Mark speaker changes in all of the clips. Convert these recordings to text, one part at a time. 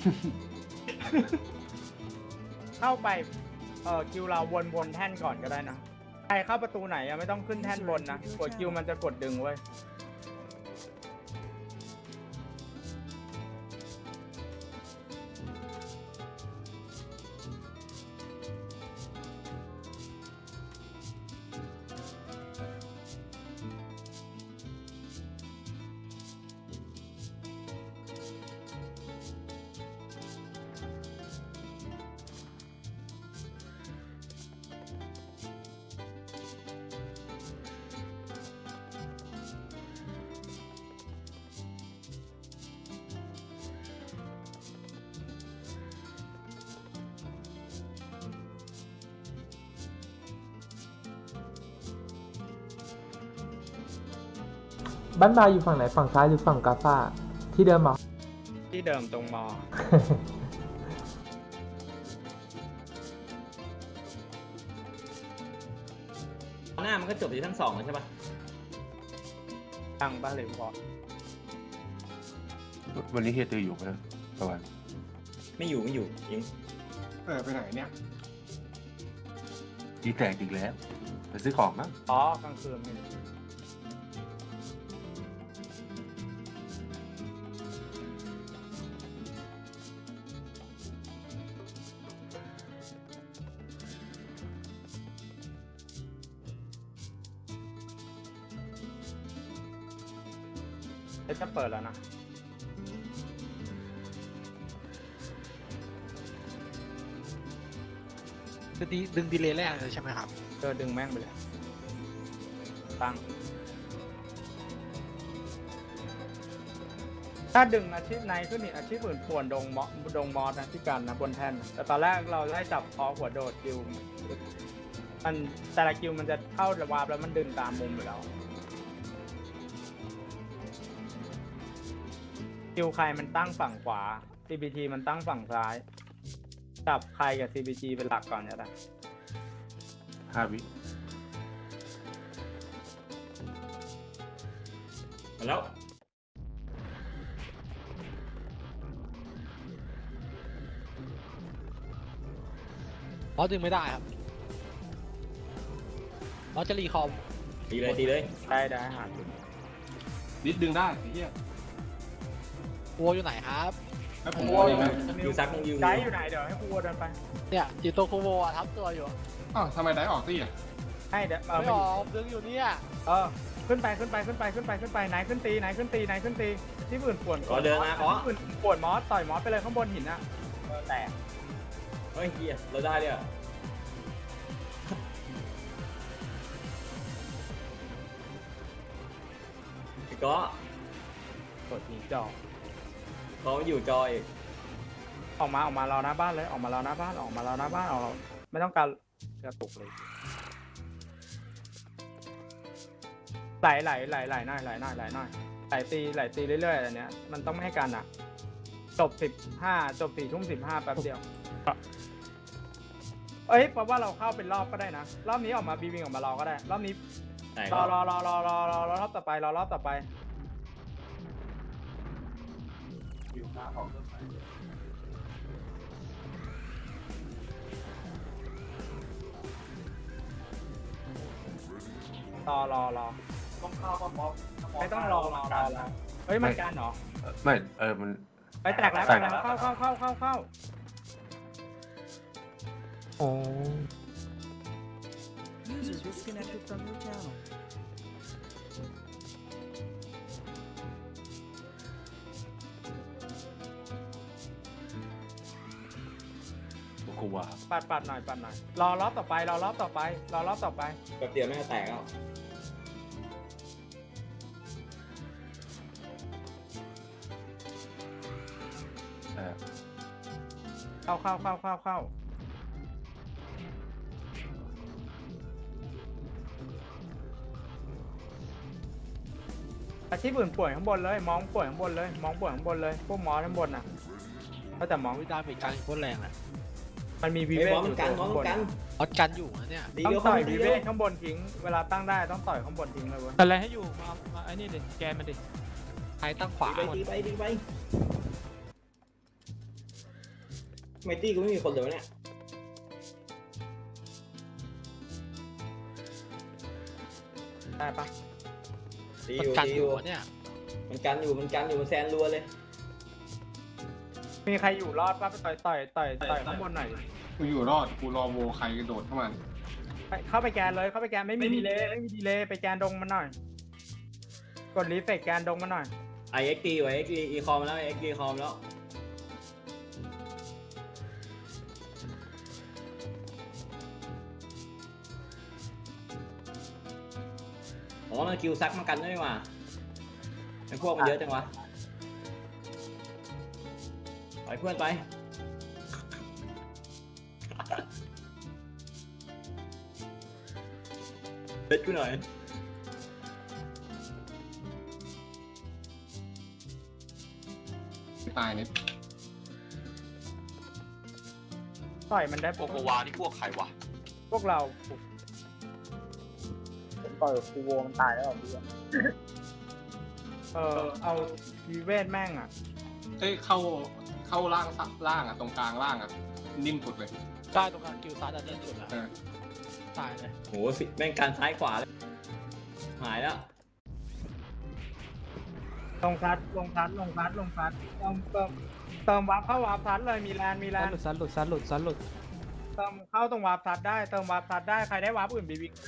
Speaker 1: เข้าไปคิวเราวนแท่นก่อนก็ได้นะใครเข้าประตูไหนไม่ต้องขึ้นแท่นบนนะกดคิวมันจะกดดึงไว้
Speaker 2: บ้านบาอยู่ฝั่งไหนฝั่งซ้ายหรือฝั่งกาซาที่เดิมเหรอ
Speaker 1: ที่เดิมตรงมอ
Speaker 3: หน้ามันก็จบที่ทั้งสองแล้วใช่ปะ
Speaker 1: ตั้งบ้านหรือพอ
Speaker 4: วันนี้เฮียตืออยู่ไหมนะตะวัน
Speaker 3: ไม่อยู่ยิง
Speaker 5: ไปไหนเนี่ย
Speaker 4: จีแตกอีกแล้วไปซื้อของมั้ง
Speaker 1: อ๋อกลางคืนนี่จะเปิดแล้วนะ
Speaker 6: ดึงดีเลย์แรกเลยใช่ไหมครับ
Speaker 1: ดึงแม่งไปเลยตั้งถ้าดึงอาชีพในขึ้นอีกอาชีพอื่นป่วนดงมอสนะที่กันนะบนแท่นนะแต่ตอนแรกเราได้จับคอหัวโดดคิวมันแต่ละคิวมันจะเข้าระวาบแล้วมันดึงตามมุมอยู่แล้วคิวใครมันตั้งฝั่งขวา CBT มันตั้งฝั่งซ้ายจับใครกับ CBT เป็นหลักก่อนเนี่ยนะ
Speaker 4: 5 วิ
Speaker 3: มาแล้ว
Speaker 6: บอสดึงไม่ได้ครับบอสจะรีคอม
Speaker 3: ตีเลย
Speaker 1: ได้หาจุด
Speaker 5: นิดดึงได้ไอ้เหี้ย
Speaker 6: วัวอยู่ไหนครับ
Speaker 5: แล้วผมว่ายังไง
Speaker 3: อยู่ซักมึงอยู่
Speaker 1: ไกด์อยู่ไหนเดี๋ยวให้ครูเดินไป
Speaker 6: เนี่ยจิโตโคโวอะทับตัวอยู่
Speaker 5: อ้าวทำไมได้ออกตี้อ่ะ
Speaker 1: ให้เดี๋ยว
Speaker 6: ไม่ออกดึงอยู่เนี่ย
Speaker 1: ขึ้นไปไหนขึ้นตีที่อื่นป่วน
Speaker 3: ขอเดินมาขอ
Speaker 1: ที่อื่นป่วนมอสต่อยมอสไปเลยข้างบนหินนะแตก
Speaker 3: เฮ้ยเฮียเราได้เลยอ่ะก็
Speaker 1: กดหินจอ
Speaker 3: เขาอยู่จอย
Speaker 1: ออกมารอหน้าบ้านเลยออกมารอหน้าบ้านไม่ต้องการกระตุกเลยไหลหน่อยไหลตีเรื่อยๆอันเนี้ยมันต้องไม่ให้กันอ่ะจบ4 ทุ่ม 15แป๊บเดียวเพราะว่าเราเข้าเป็นรอบก็ได้นะรอบนี้ออกมาบีวิงออกมารอก็ได้รอบนี้
Speaker 3: ไหน
Speaker 1: รอรอบต่อไปรอต้องเข้าไม่ต้องรอเฮ้ยมันกันเหรอ
Speaker 4: ไม่มัน
Speaker 1: ไปแตกแล้วเข้า
Speaker 2: โอ้
Speaker 7: User disconnected from your channel.
Speaker 4: กูว่า
Speaker 1: ปัดหน่อยรอรอบต่อไป
Speaker 3: แป๊บเดียวไม่จะแตกแล้ว
Speaker 1: เข้าอาชีพอื่นป่วยข้างบนเลยมองป่วยข้างบนเลยพวกหมอข้างบนน่ะก็แต่มอง
Speaker 6: วิดาเป็นการโคตรแรงอ่ะ
Speaker 1: มันมีวี
Speaker 3: ไอ้
Speaker 1: เว
Speaker 3: บอลมันกัน
Speaker 1: ข้างบน
Speaker 6: บอสกันอยู่นะเนี่ย
Speaker 3: ดี
Speaker 1: ต้อ
Speaker 3: เดียว
Speaker 1: ง
Speaker 3: เข้า
Speaker 1: ต่อย
Speaker 3: ดี
Speaker 1: วี
Speaker 3: เดี
Speaker 1: เว
Speaker 3: ยว
Speaker 1: ข้างบนทิ้งเวลาตั้งได้ต้องต่อยข้างบนทิ้งเลยเว้ย
Speaker 8: อะไรให้อยู่มาไอ้นี่ดิแกนมันดิ
Speaker 6: ใครตั้งขวาหมด
Speaker 3: ดีไปไมตี้กูไม่มีคนเลยวะเนี่ย
Speaker 1: ได้ปะ
Speaker 3: ตีอ
Speaker 6: มัน
Speaker 3: ยู่
Speaker 6: กัน
Speaker 3: ตี
Speaker 6: อ
Speaker 3: อยู่ ยู่
Speaker 6: อะเนี่ย
Speaker 3: มันกันอยู่มันแซนรัวเลย
Speaker 1: มีใครอยู่รอดปะไปต่อยข้างบนหน่อยดิ
Speaker 5: กูอยู่รอดกูรอโวใครกระโดดเข้ามา
Speaker 1: เข้าไปแกนเลยเข้าไปแกนไม่มีดีเลยไปแกนดงมันหน่อย กดรีเฟกแกนดงมันหน่อย
Speaker 3: ไอเอ็กซ์ตีไว้เอ็กซ์ตีอีคอมแล้วเอ็กซ์ตีคอมแล้วอ๋อมันคิวซักมากันด้วยนี่หว่าไอพวกมันเยอะจังวะไปเพื่อนไปเล็ดกูหน่อย
Speaker 5: ตายเนี่ย
Speaker 1: ต่อยมันได้
Speaker 4: โกโกวานี่พวกใครวะ
Speaker 1: พวกเราผมต่อยคูโวมันตายแล้วเหรอพี่เอาวีเวทแม่งอ่ะ
Speaker 5: เอ้ยเข้าล่างซับล่างอ่ะตรงกลางล่างอ่ะนิ่มสุดเลย
Speaker 6: ได้ตรงกลางกิลซัดอันนี้สุดแล้ว
Speaker 5: เออ
Speaker 6: ตายเลย
Speaker 3: โหสิแม่งการซ้ายขวาเลยหายแล้ว
Speaker 1: ลงซัดเติมวาร์ปเข้าวาร์ปซัดเลยมีแลน
Speaker 8: ซัดหลุดซัดหลุดซัดหลุด
Speaker 1: เติมเข้าตรงวาร์ปซัดได้เติมวาร์ปซัดได้ใครได้วาร์ปอื่นบีวิก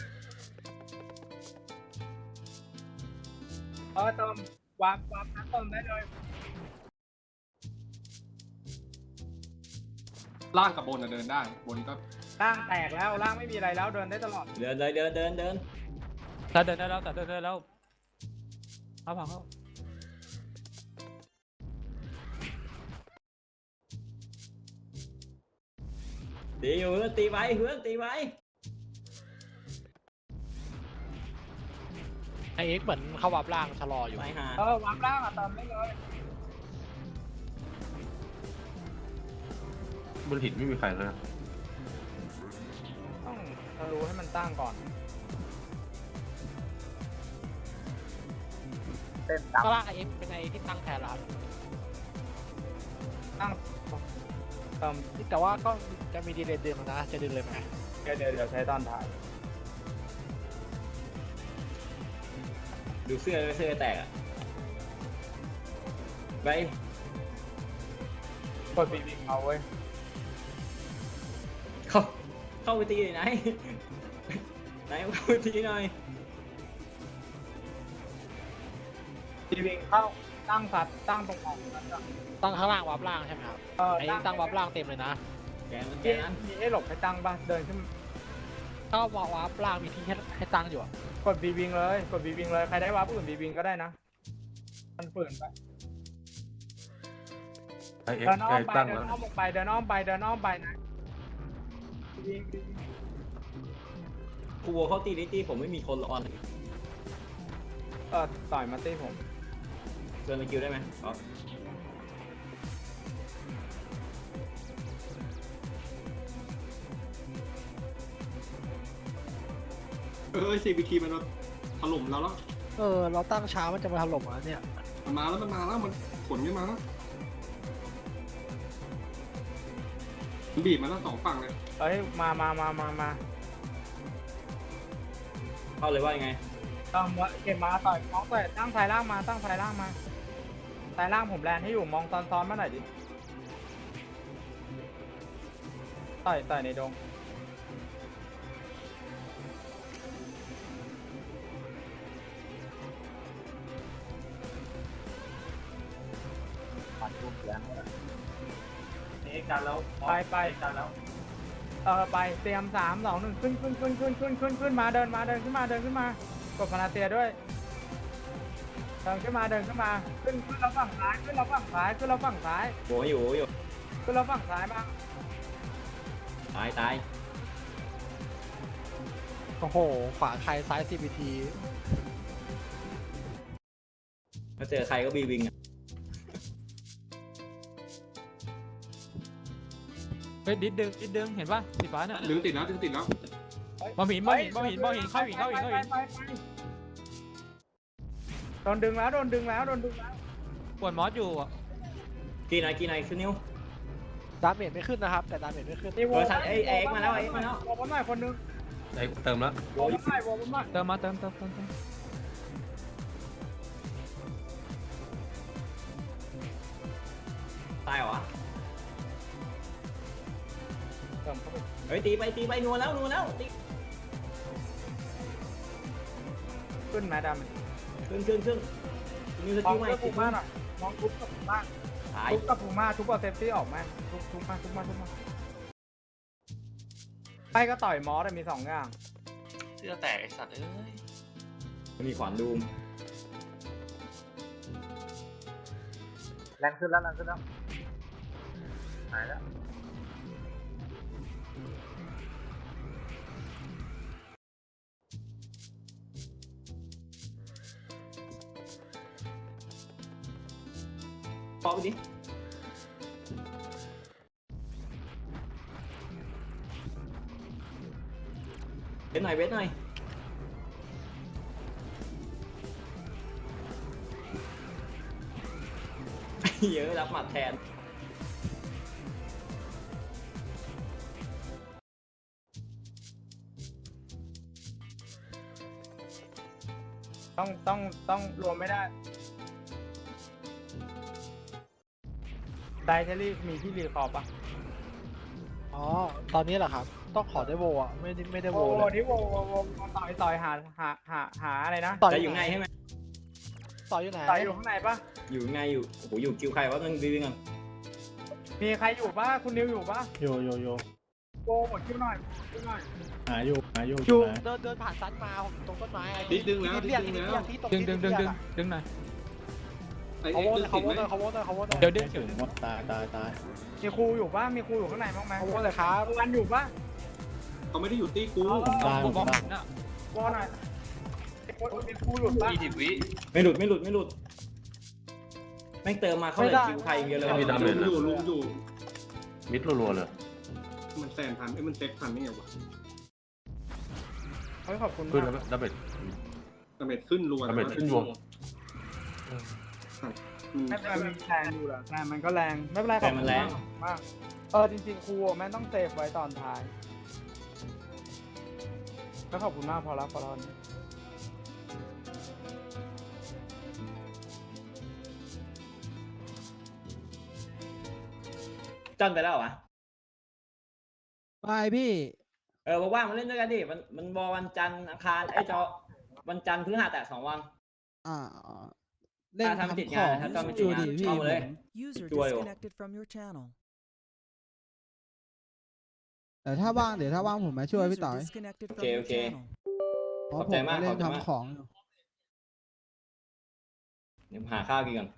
Speaker 1: เติมวาร์ปซัดเติมได้เลย
Speaker 5: ล่างกับบนอะเดินได้บนก็
Speaker 1: ร่างแตกแล้วร่างไม่มีอะไรแล้วเดินได้ตลอด
Speaker 3: เดินเลยเดิน
Speaker 8: ซัดเดินได้แล้วซัดเดินได้แล้วเอาผ่านเข้า
Speaker 3: ตีอยู่เพื่อนตีไว้เพื่อนตีไว้
Speaker 6: ไอเอ็กซ์เหมือนเข้าวับล่างชะลออยู่
Speaker 3: ไปหา
Speaker 1: วาร์ปร่างเติมได้เลย
Speaker 4: บนหินไม่มีใครเลยนะ
Speaker 1: ต้องรู้ให้มันตั้งก่อนเต้น
Speaker 6: ก็ล่างไอเอ็กซ์เป็นไอที่ตั้งแทนแล้ว
Speaker 1: ตั้งเติม
Speaker 6: แต่ว่าก็จะมีดีเลย์ดึงนะจะดึงเลยไหม
Speaker 1: เดี๋ยวใช้ตอนถ่าย
Speaker 3: ดูเสื้อแตกอะไป
Speaker 1: กดบีวิกเอาเว้ย
Speaker 3: เข้าไปตีหน่อยไหนเข้าไปตีหน่อย
Speaker 1: บีวิกเข้าตั้งสัตว์ตั้งตรงออกนั้นอะ
Speaker 6: ตั้งข้างล่างวับล่างใช่ไหมครับไอเอ็กซ์ตั้งวับล่างเต็มเลยนะ
Speaker 3: แกนั้น
Speaker 1: มีให้หลบให้ตั้งป่ะเดินขึ้น
Speaker 6: ถ้าวับล่างมีที่ให้ตั้งอยู่อะ
Speaker 1: กดบีวิงเลยใครได้วาร์ปอื่นบีวิงก็ได้นะมันฝืนไป
Speaker 4: ไอเอ็ก
Speaker 1: เดิน
Speaker 4: ซ์
Speaker 1: อ้อ
Speaker 4: ไอ
Speaker 1: มไป
Speaker 4: ตั้ง
Speaker 1: เดิ
Speaker 4: แล้ว
Speaker 1: นอ้อมลงไปเดินอ้อมไปนะบีวิง
Speaker 3: ครูโวเขาตีดิตีผมไม่มีคนออน
Speaker 1: ต่อยมาตีผม
Speaker 3: เชิญไปคิวได้ไหมอ๋อ
Speaker 5: CBT มันถล่มเราแล้ว
Speaker 6: เราตั้งช้ามันจะมาถล่มอ่ะเนี่ย
Speaker 5: มันมาแล้วมันขนขึ้นมาแล้วมันบีบมาแล้วสองฝั่งเลย
Speaker 1: เอ้ยมา
Speaker 3: เข้าเลยว่ายังไง
Speaker 1: เก็บมาต่อยมองต่อยตั้งสายล่างมาสายล่างผมแลนให้อยู่มองซ้อนมาหน่อยดิต่อยในดงไปกันแล้วไปเตรียม3 2 1ขึ้นมาเดินขึ้นมากดพานาเซียด้วยเดินขึ้นมาขึ้นเราฝั่งซ้ายขึ้นเราฝั่งซ้าย
Speaker 3: โวอยู่
Speaker 1: ขึ้นเราฝั่งซ้ายมา
Speaker 3: ตาย
Speaker 6: โอ้โหขวาใครซ้าย CBT
Speaker 3: ถ้าเจอใครก็บีวิงอะ
Speaker 8: เฮ้ยดิดดึงเห็นป่ะสีฟ้าเนี่ย
Speaker 5: ดึงติดแล้ว
Speaker 8: บอหินเข้าหินเข้าหิน
Speaker 1: ไปโดนดึงแล้ว
Speaker 8: ปวดมอสอยู่อ่ะ
Speaker 3: กี่ไหนขึ้นนิ้ว
Speaker 6: ดาเมจไม่ขึ้นนะครับ แต่ดาเมจไม่ขึ้น
Speaker 1: นี่โว
Speaker 3: เออสัตว์เอ็กมาแล้วเอ็กมาแล้ว
Speaker 1: โวผมหน่อยคนนึง
Speaker 4: ไอ้เติมแล้ว
Speaker 1: โวผมหน่อยโวผมหน่อย
Speaker 8: เติมมาเติม
Speaker 3: ตายเหรอวะ
Speaker 1: เติมเข้าไป
Speaker 3: เฮ้ยตีไปนัวแล้วตี
Speaker 1: ขึ้นไหมดำ
Speaker 3: ขึ้นมีส
Speaker 1: มอ
Speaker 3: กิ
Speaker 1: ง
Speaker 3: ลใหม่
Speaker 1: เพื่อปูม่าหน่อยมองทุบกับปูม่า
Speaker 3: ตาย
Speaker 1: ทุบกับปูม่าทุบกับเซฟตี้ออกไหมทุบมาไปก็ต่อยมอสมี2 อย่าง
Speaker 4: เสื้อแตกไอ้สัตว์เอ้ย
Speaker 3: มีขวานดูม
Speaker 1: แรงขึ้นแล้วหายแล้ว
Speaker 3: ปอกไปดิเวทหน่อยเยอะรับหมัดแทน
Speaker 1: ต้องรวมไม่ได้ไดเทอรี่มีที่รีคอร์ปะ
Speaker 6: อ๋อ ตอนนี้เหรอครับ ต้องขอได้โวอ่ะ ไม่ได้โว
Speaker 1: โว
Speaker 6: เลย
Speaker 1: ที่โวต่อยหาอะไรนะ
Speaker 3: จะอยู่ไงใช่ไหม
Speaker 6: ต่ออยู่ไหน
Speaker 1: ต่อยอยู่ข้างในปะ
Speaker 3: อยู่ไงอยู่โอ้โหอยู่คิวใครวะต้องวิ่งกัน
Speaker 1: มีใครอยู่ปะคุณนิวอยู่ปะ
Speaker 2: โย
Speaker 1: โวหมดคิวหน่อย
Speaker 2: หาอยู่
Speaker 1: อยู่
Speaker 6: เดินผ่านซัดมาผมตรงต้นไม้
Speaker 5: นิดนึงแล้ว
Speaker 6: ที่เรียกที่ตรง
Speaker 8: ดึง
Speaker 6: ที่เรียกอะ
Speaker 8: ดึงหน่อย
Speaker 5: ไอ้
Speaker 6: เขา
Speaker 5: เอ็ก
Speaker 6: โว
Speaker 5: ซ์
Speaker 6: เลย
Speaker 5: ติดไหม
Speaker 6: เขาโวเลย
Speaker 8: เดี๋ยวดึง
Speaker 2: ตาย
Speaker 1: มีครูอยู่ปะมีครูอยู่ข้างในบ้างไหม
Speaker 6: เขาโวเลยครับ
Speaker 1: วันอยู่ปะ
Speaker 5: เขาไม่ได้อยู่ตีกู
Speaker 8: ผมบอกน่ะ
Speaker 1: โวหน่อยมีครูอยู่ปะ
Speaker 4: 20 วิ
Speaker 3: ไม่หลุดแม่งเติมมาเขาเลยคิวใครอย่างเดียวเลย
Speaker 4: ไม่มีดาเมจ
Speaker 5: ลุงอยู่
Speaker 4: มิดรัวๆเลย
Speaker 5: มันแซนพันมันเซ็กพันนี่ไงวะ
Speaker 1: เฮ้ยขอบคุณ
Speaker 4: ขึ้น
Speaker 1: มา
Speaker 4: แล้ว
Speaker 1: ก
Speaker 4: ดาเมจ
Speaker 5: ดาเมจขึ้นรัว
Speaker 4: ดาเมจขึ้นรัว
Speaker 1: ไม่เป็นไรมันแรงอยู่แหละแต่มันก็แรงไม่เป็นไรขอบคุณมากจริงๆครูแม่ต้องเซฟไว้ตอนท้ายแล้วขอบคุณมากพอแล้ว
Speaker 3: จันไปแล้วเหรอวะ
Speaker 9: ไปพี่
Speaker 3: ว่างๆมาเล่นด้วยกันดิมันบอลวันจันทร์อังคารไอ้จอวันจันทร์พฤหัสแต่2 วัน
Speaker 9: อ่าเล่น
Speaker 3: ถ้าไม่ติด
Speaker 9: ทำของ
Speaker 3: งานถ้าไม่ติด
Speaker 9: จู
Speaker 3: งาน
Speaker 9: ดิพี่
Speaker 3: เข้ามาเลย
Speaker 7: User
Speaker 3: Chuối rồi.
Speaker 7: disconnected from your channel.
Speaker 9: แต่ถ้าว่างเดี๋ยวถ้าว่างผมมาช่วยพี่
Speaker 7: User
Speaker 9: ต่อย
Speaker 7: disconnected from
Speaker 3: Okay,
Speaker 7: your
Speaker 3: okay.
Speaker 7: channel.
Speaker 9: เพราะ
Speaker 3: ขอบ
Speaker 9: ผ
Speaker 3: ใจ
Speaker 9: ม
Speaker 3: มาก
Speaker 9: เล่
Speaker 3: ขอน บใจมาก
Speaker 9: ทำของอยู่
Speaker 3: เดี๋ยวหาข้าวกินก่อน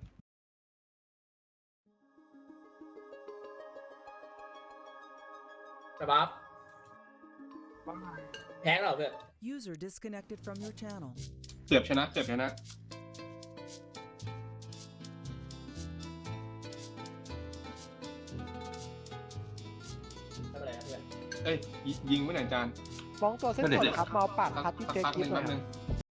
Speaker 1: สบับ
Speaker 3: แพ้เราเพื่อน
Speaker 7: User disconnected from your channel.
Speaker 5: เจ็บชนะ
Speaker 3: ไม่เป็นไรนะเพื่อน
Speaker 5: เอ้ยยิงไม่ไหนจาน
Speaker 6: ฟ้องตัวเส้นสดครับมาเอาปากพัดที่
Speaker 5: สัก
Speaker 6: เจ๊
Speaker 5: พักห
Speaker 6: กิ๊
Speaker 5: นึ่
Speaker 6: บ
Speaker 5: ง
Speaker 6: หน่
Speaker 5: แป๊
Speaker 6: อบ ย
Speaker 5: นึง